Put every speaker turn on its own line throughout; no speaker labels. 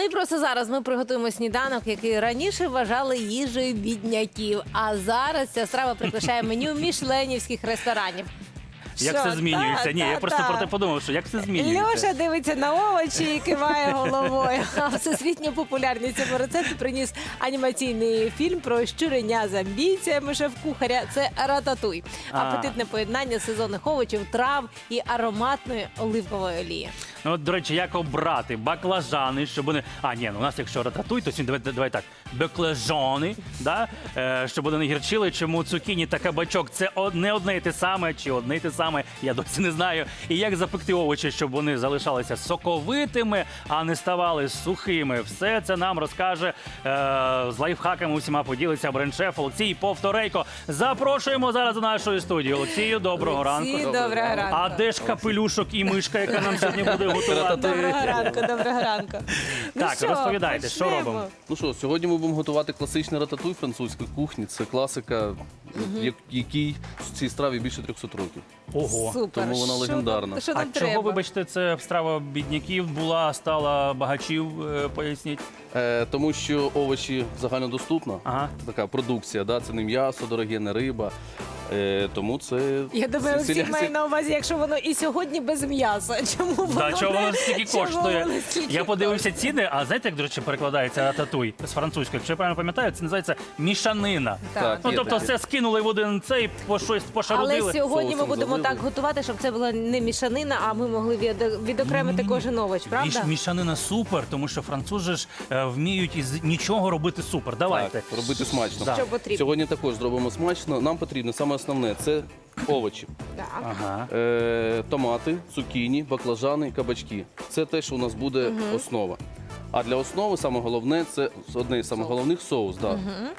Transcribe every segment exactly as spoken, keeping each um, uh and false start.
і просто зараз ми приготуємо сніданок, який раніше вважали їжею бідняків. А зараз ця страва прикрашає меню мішленівських ресторанів.
Як
Що?
все змінюється?
Та,
Ні,
та,
я просто
та.
про те подумав, що як все змінюється.
Льоша дивиться на овочі і киває головою. А всесвітню популярність цьому рецепту приніс анімаційний фільм про щуреня з амбіціями шеф-кухаря. Це «Рататуй».
А.
Апетитне поєднання сезонних овочів, трав і ароматної оливкової олії.
Ну, от, до речі, як обрати баклажани, щоб вони... А, ні, ну, у нас якщо рататуй, то сьогодні давай, давай так. Баклажани, да? е, щоб вони не гірчили. Чому цукіні та кабачок – це од- не одне і те саме, чи одне і те саме, я досі не знаю. І як запекти овочі, щоб вони залишалися соковитими, а не ставали сухими. Все це нам розкаже е, з лайфхаками усіма поділиться бренд-шеф Олексій Повторейко. Запрошуємо зараз до нашої студії. Олексію, доброго
Олексій,
ранку.
доброго ранку.
А де ж капелюшок і мишка, яка нам сьогодні буде готувати?
Доброго ранку, доброго ранку. Ну
Так,
що,
розповідайте, що
почнемо?
робимо?
Ну що, сьогодні ми будемо готувати класичний рататуй французької кухні. Це класика, як- якій в цій страві більше трьохсот років.
Ого.
Супер.
Тому вона
Що
легендарна.
нам- Що
А
нам
чого,
треба?
вибачте, це страва бідняків була, стала багачів, е, поясніть?
Е, тому що овочі загальнодоступна
Ага.
така продукція, да? Це не м'ясо, дороге, не риба. Е, тому це...
Я думаю,
це-
всі
це-
має на увазі, якщо воно і сьогодні без м'яса. Чому воно
Да, чого
не-
воно стільки
чому
коштує?
воно стільки
Я подивився ціни, а знаєте, як, до речі, перекладається рататуй з французької? Якщо я правильно пам'ятаю, це називається мішанина.
Так.
Ну,
є
тобто
таке.
все скинули в один цей, по щось пошарудили.
Але сьогодні ми
соусом
будемо
залили.
так готувати, щоб це була не мішанина, а ми могли від- відокремити кожен овоч, правда?
Міш, мішанина супер, тому що французи ж е, вміють із нічого робити супер. Давайте.
Так, робити смачно.
Да.
Що потрібно?
Сьогодні також зробимо смачно. Нам потрібно саме основне це овочі.
Так.
Ага.
Е, томати, цукіні, баклажани, кабачки. Це те, що у нас буде основа. А для основи саме головне це одне із самих головних соус. Да.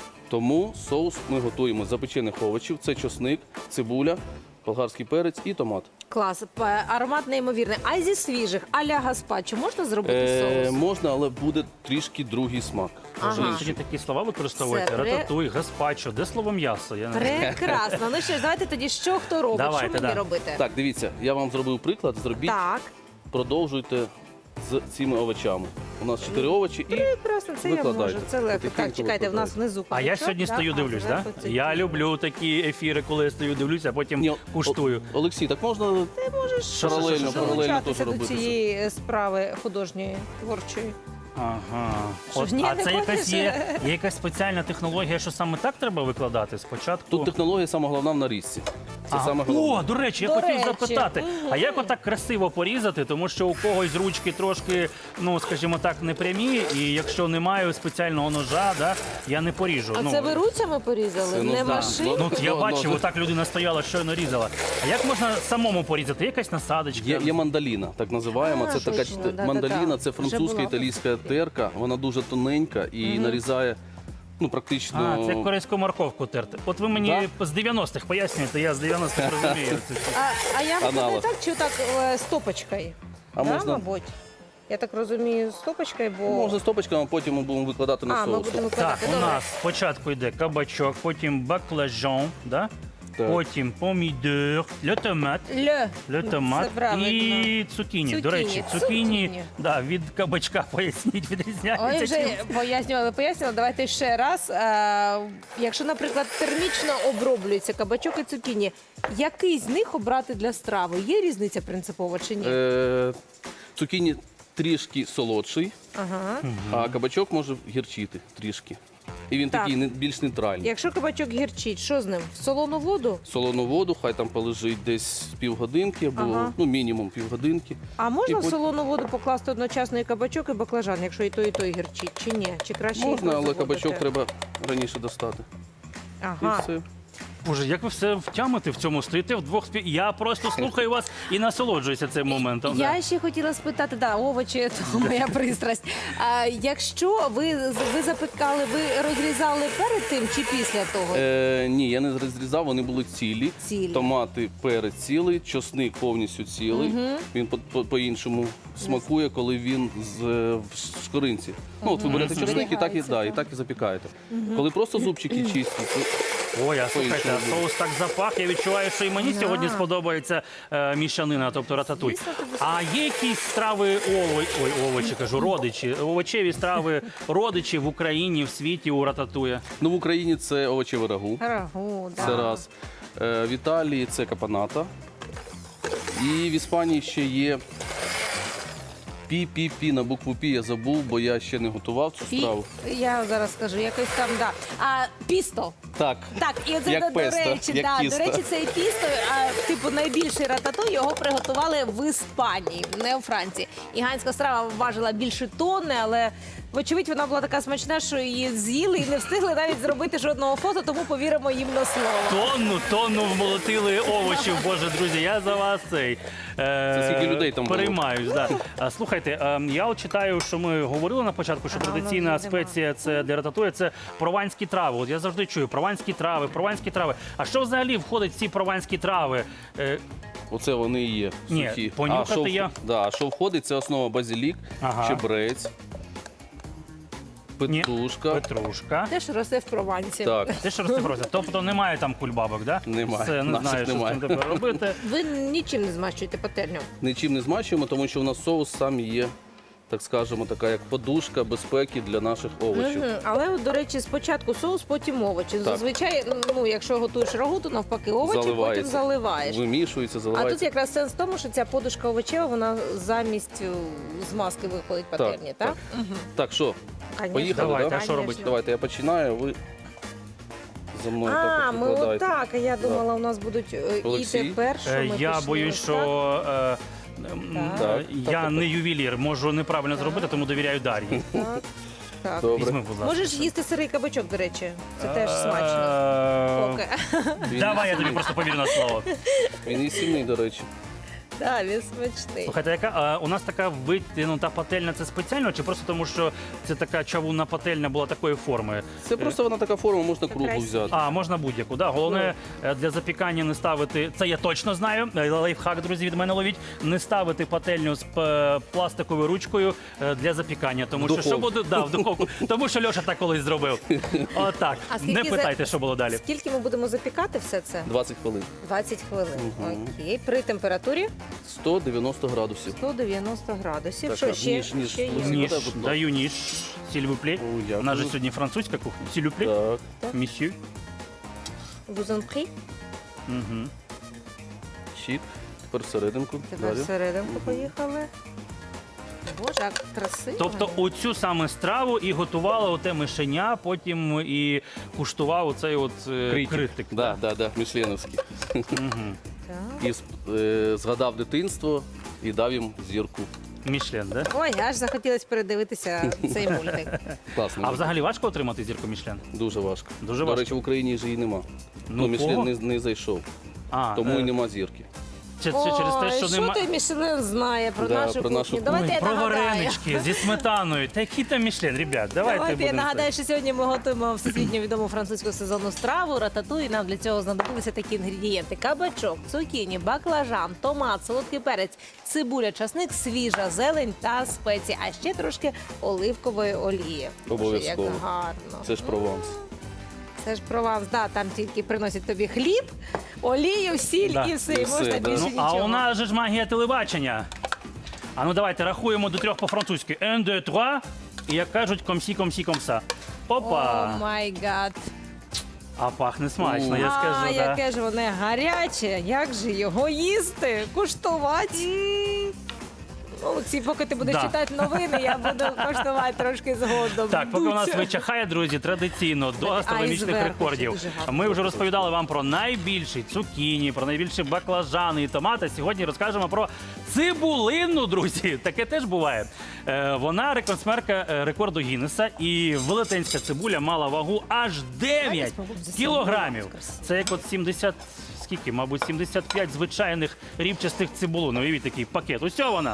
Тому соус ми готуємо з запечених овочів. Це чосник, цибуля, болгарський перець і томат.
Клас. П- Аромат неймовірний. А зі свіжих, а-ля гаспачо можна зробити
Е,
соус?
можна, але буде трішки другий смак.
Ага.
Інший.
Сьогодні такі слова використовуєте?
Це ре-
Рататуй, гаспачо. Де слово м'ясо? Я не...
Прекрасно. Ну що ж, давайте тоді що хто робить?
Давайте,
що мені
да.
робити?
Так, дивіться, я вам зробив приклад. Зробіть,
Так.
продовжуйте з цими овочами. У нас чотири овочі і
Прекрасно, це я
Викладайте.
можу. Це легко.
Потихеньку
Так, чекайте, в нас
викладайте.
внизу
А я
кабачок,
сьогодні
да?
стою,
А,
дивлюсь, так?
зверху
Да?
цей
Я
кубик.
люблю такі ефіри, коли я стою, дивлюся, а потім
Ні,
куштую.
О- Олексій, так можна
Ти можеш
Що, що,
паралельно,
що, що?
паралельно
долучатися
теж
до
робити. це.
цієї справи художньої, творчої.
Ага.
Що
От,
ж, ні,
а
не
це якась
хочеш?
є, є якась спеціальна технологія, що саме так треба викладати спочатку?
Тут технологія саме головна в нарізці. Це
Ага.
саме головне.
О, до речі, я
До
хотів
речі.
запитати, а як отак красиво порізати, тому що у когось ручки трошки, ну скажімо так, не прямі, і якщо не маю спеціального ножа, да, я не поріжу.
А
ну,
це ви руцями порізали,
Це, ну,
не
да.
машиною?
Ну, от я
Ну,
бачив,
ну,
отак людина стояла, щойно різала. А як можна самому порізати? Якась насадочка?
Є, є мандаліна, так називаємо.
А,
Це така
точно,
ч-
да-да-да.
мандаліна, це
Вже
французька
була.
італійська терка. Вона дуже тоненька і нарізає ну, практично.
А, це як корейську морковку терти. От ви мені з дев'яностих пояснюєте, я з дев'яностих розумію. Це- це-
А, а я викладаю
Аналог.
так чи так е, стопочкою?
А
да,
можна-
мабуть? Я так розумію, стопочкою, бо...
Можна стопочками, а потім ми будемо викладати на
А, ми
соус.
будемо
Так,
викладати.
у
Добре.
нас спочатку йде кабачок, потім баклажан, да?
Так.
потім помідор, ле томат,
Ле.
ле
Це
томат
правильно.
і цукіні. До
Цукіні,
речі,
цукіні.
цукіні да, від кабачка, поясніть,
Ой,
відрізняється.
вже
чим?
пояснювали, пояснювали. Давайте ще раз. Е, якщо, наприклад, термічно оброблюється кабачок і цукіні, який з них обрати для страви? Є різниця принципова чи ні?
Е, цукіні трішки солодший,
Ага.
а кабачок може гірчити трішки. І він
Так.
такий не- більш нейтральний.
Якщо кабачок гірчить, що з ним? В солону воду?
Солону воду, хай там полежить десь півгодинки або
Ага.
ну, мінімум півгодинки.
А можна
І
в
пот-
солону воду покласти одночасно і кабачок, і баклажан, якщо і той, і той гірчить, чи ні? Чи краще їх
Можна, але
розводити?
кабачок треба раніше достати.
Ага.
І все.
Боже, як ви все втямите в цьому? Стоїте вдвох спів. Я просто слухаю вас і насолоджуюся цим моментом. да.
Я ще хотіла спитати, да, овочі – то моя пристрасть. А якщо ви, ви запекали, ви розрізали перед тим чи після того?
Е, ні, я не розрізав, вони були цілі.
Цілі.
Томати, перець цілий, чосник повністю цілий. Він по- по- по-іншому смакує, коли він з, е, в шкоринці. Ну, от ви берете чосник і так і,
Зберігається,
да, і
так.
так і запікаєте. Коли просто зубчики чисті, то
Ой, а слухайте,
По-іншому
а соус так запах. Я відчуваю, що і мені
Да.
сьогодні сподобається е, мішанина, тобто рататуй.
Звісно, тобі
А є якісь страви ово... Ой, овочі, кажу, родичі, овочеві страви родичі в Україні, в світі у рататуя?
Ну, в Україні це овочеве рагу.
Рагу, да.
Це раз. Е, В Італії це капаната. І в Іспанії ще є пі-пі-пі, на букву Пі я забув, бо я ще не готував цю
І
страву.
я зараз скажу, якось там, да. А пісто.
Так,
Так, і оце,
Як
до, до
песто,
речі,
як
да,
тісто.
до речі, цей тісто, а, типу найбільший рататуй, його приготували в Іспанії, не у Франції. Іганська страва важила більше тонни, але вочевидь вона була така смачна, що її з'їли і не встигли навіть зробити жодного фото, тому повіримо їм на слово.
Тонну, тонну вмолотили овочів, боже, друзі, я за вас цей. Е,
Це скільки людей там було?
переймаюсь. Да. А, слухайте, е, я от читаю, що ми говорили на початку, що
Ага,
традиційна
воно вже нема.
спеція це для рататуя, це прованські трави. От я завжди чую прованські трави, прованські трави. А що взагалі входить в ці прованські трави? Е,
оце вони і є
Ні,
сухі.
понюхати
а що, в-
я-
Да, а що входить, це основа базилік,
Ага.
чебрець,
ні,
петрушка.
Петрушка.
Те, що росте в Провансі.
Так,
Ти що розібрався? Тобто немає там кульбабок, да?
Немає.
Все, не
Наших
знаю, що з
немає.
цим тепер робити.
Ви нічим не змащуєте пательню.
нічим не змачуємо, тому що у нас соус сам є, так скажемо, така як подушка безпеки для наших овочів.
Мгм. Але, от, до речі, спочатку соус, потім овочі. Зазвичай, ну, якщо готуєш рагу, то навпаки овочі, потім
Заливається.
заливаєш.
Вимішується,
А
заливається.
тут якраз сенс в тому, що ця подушка овочева, вона замість е, змазки виходить пательні, так?
так. Так, що,
Конечно.
поїхали,
Давайте,
да?
а що робити?
Давайте я починаю, ви за мною
А,
так
ми
викладаєте.
отак. А я думала, у нас будуть е,
Олексій?
і тепер, що
Е,
ми
Я
пішли
боюсь,
ось
що е, м,
Так.
е, я
Так.
не ювелір, можу неправильно зробити, тому довіряю Дар'ї.
Так, так. так.
Добре.
Візьми, будь ласка.
Можеш їсти сирий кабачок, до речі. Це теж смачно.
Е,
Поки.
Він,
Давай я тобі просто повірю на слово.
він і сильний, до речі.
Так, він смачний.
Слухайте, яка а, у нас така витягнута пательня, це спеціально, чи просто тому, що це така чавунна пательня була такої форми?
Це просто вона така форма, можна круглу
красиво.
взяти.
А, можна будь-яку. Да. Головне е, для запікання не ставити, це я точно знаю, е, лайфхак, друзі, від мене ловіть, не ставити пательню з е, пластиковою ручкою е, для запікання. Тому
В
що що
духовку.
буде, да, в духовку. Тому що Льоша так колись зробив. Отак.
А скільки
Не
за-
питайте, що було далі.
Скільки ми будемо запікати все це?
двадцять хвилин.
двадцять хвилин.
Мгм.
Окей. При температурі
сто дев'яносто градусів.
сто дев'яносто градусів.
Так,
Що
так,
ще?
ніж, ніж.
Ще є?
Ніж.
Ніж,
Подай, будь ласка.
даю ніж, сільвуплі.
О, дякую.
У нас же сьогодні французька кухня. Сільвуплі,
Так,
місю.
Бузанпрі.
Угу.
щік. Тепер всерединку.
Тепер
Далі.
всерединку поїхали. Боже, як красиво.
Тобто оцю саме страву і готувала оте мишеня, потім і куштував оцей от е,
Критик.
критик.
Да, да, да, мішленовський.
Мгм.
Так.
І е, згадав дитинство і дав їм зірку.
Мішлен, да?
Ой, аж захотілося передивитися цей мультик.
Класно.
А взагалі важко отримати зірку Мішлен?
Дуже важко.
Дуже
До
важко.
речі, в Україні ж її нема.
Ну,
Ну, Мішлен
кого?
не, не зайшов.
А,
Тому
е,
і нема зірки.
Це, це через те,
Ой,
що
що
нема.
той Мішлен знає про
Да,
нашу
про
кухню?
нашу кухню.
Давайте
Ой,
я
про
нагадаю.
варенички зі сметаною. Та який там Мішлен, ребят, давайте,
Давайте я
будемо.
нагадаю, що сьогодні ми готуємо всесвітньо відому французьку сезонну страву рататуй. Нам для цього знадобилися такі інгредієнти: кабачок, цукіні, баклажан, томат, солодкий перець, цибуля, часник, свіжа зелень та спеції, а ще трошки оливкової олії. Боже,
Обов'язково.
як гарно.
Це ж Прованс.
Це ж Прованс, да, там тільки приносять тобі хліб, олію, сіль
Да.
і все,
І
і
все,
можна
да.
більше
Ну,
нічого.
а у нас же ж магія телебачення. А ну давайте рахуємо до трьох по-французьки. Un, deux, trois. І як кажуть, комсі, комсі, комса. Опа!
О май гад.
А пахне смачно, я
А,
скажу. Да.
яке ж воно гаряче, як же його їсти, куштувати. Олексій, поки ти будеш
Да.
читати новини, я буду коштувати трошки згодом.
Так, поки у нас
Дуця.
вичахає, друзі, традиційно до гастрономічних
зверху
рекордів.
ще дуже гарно
Ми вже розповідали вам про найбільші цукіні, про найбільші баклажани і томати. Сьогодні розкажемо про цибулину, друзі. Таке теж буває. Е, Вона рекордсменка е, рекорду Гіннеса, і велетенська цибуля мала вагу аж дев'ять
спробуємо за
кілограмів.
собою.
Це як от сімдесят, скільки, мабуть, сімдесят п'ять звичайних рівчастих цибулин. Уявіть такий пакет. Ось вона.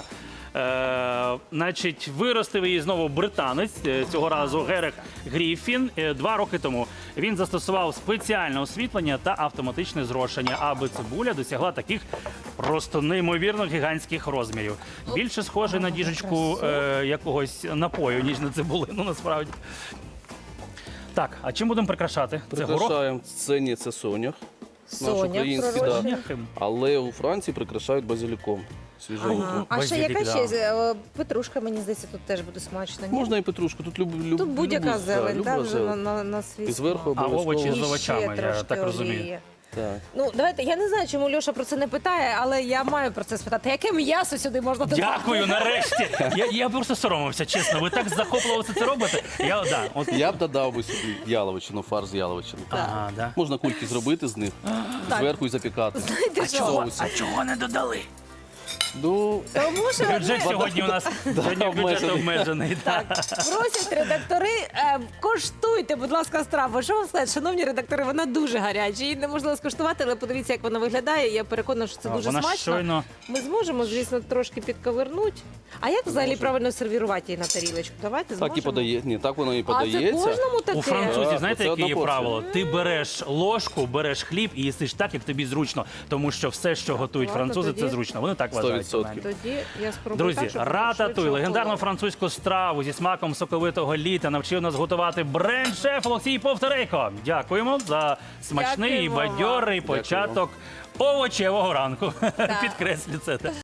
Е, значить, виростив її знову британець, е, цього разу Герех Гріфін, е, два роки тому. Він застосував спеціальне освітлення та автоматичне зрошення, аби цибуля досягла таких просто неймовірно гігантських розмірів. Більше схоже на діжечку е, якогось напою, ніж на цибулину, насправді. Так, а чим будемо прикрашати? Це горох?
Прикрашаємо. Це ні, це сонях. Наш
Соня,
український,
пророчий.
да. Але у Франції прикрашають базиліком. Свіженьким.
Ага. А ще
Базилік,
яка
да.
ще е, петрушка, мені здається, тут теж буде смачно. Ні?
Можна і петрушку, тут люб, люб,
Тут будь-яка
любу-
зелень,
да,
так,
люба
вже на,
зелень.
на, на свій
І зверху
смак.
А
обов'язково.
овочі з
І
овочами,
ще
я
трошки
так розумію.
олії.
Так.
Ну, давайте, я не знаю, чому Льоша про це не питає, але я маю про це спитати. Яке м'ясо сюди можна додати?
Дякую, нарешті. Я, я просто соромився, чесно. Ви так захопливо це робите. Я, да, от...
Я б додав би сюди яловичину, фарш з яловичини.
Ага, да.
Можна кульки зробити з них,
Так.
зверху і запікати.
Знаєте
в
що?
соусі.
А чого не додали?
Ну,
Тому що
Бюджет сьогодні у нас сьогодні бюджет
обмежений.
обмежений.
так, просять редактори, е, коштуйте, будь ласка, страву. Що вам сказати, шановні редактори, вона дуже гаряча. Її неможливо скуштувати, але подивіться, як вона виглядає. Я переконана, що це
А,
дуже
вона
смачно.
щойно-
Ми зможемо, звісно, трошки підковернути. А як взагалі правильно сервірувати її на тарілочку? Давайте зможемо.
так і подає. Ні, так воно і
А це
подається.
кожному таке?
У французів,
Так,
знаєте,
оце
яке
одна
є
порція.
правило? Ти береш ложку, береш хліб і їсиш так, як тобі зручно. Тому що все, що готують
ладно,
французи,
тоді-
це зручно. Вони так
Сто
вважають.
відсотків.
Тоді я спробую
Друзі,
так, щоб
рататуй,
швидше
легендарну
охололо.
французьку страву зі смаком соковитого літа навчив нас готувати бренд-шеф Олексій Повторейко. Дякуємо за смачний і
Дякуємо вам.
бадьорий
Дякую вам.
початок овочевого ранку. Підкреслю це.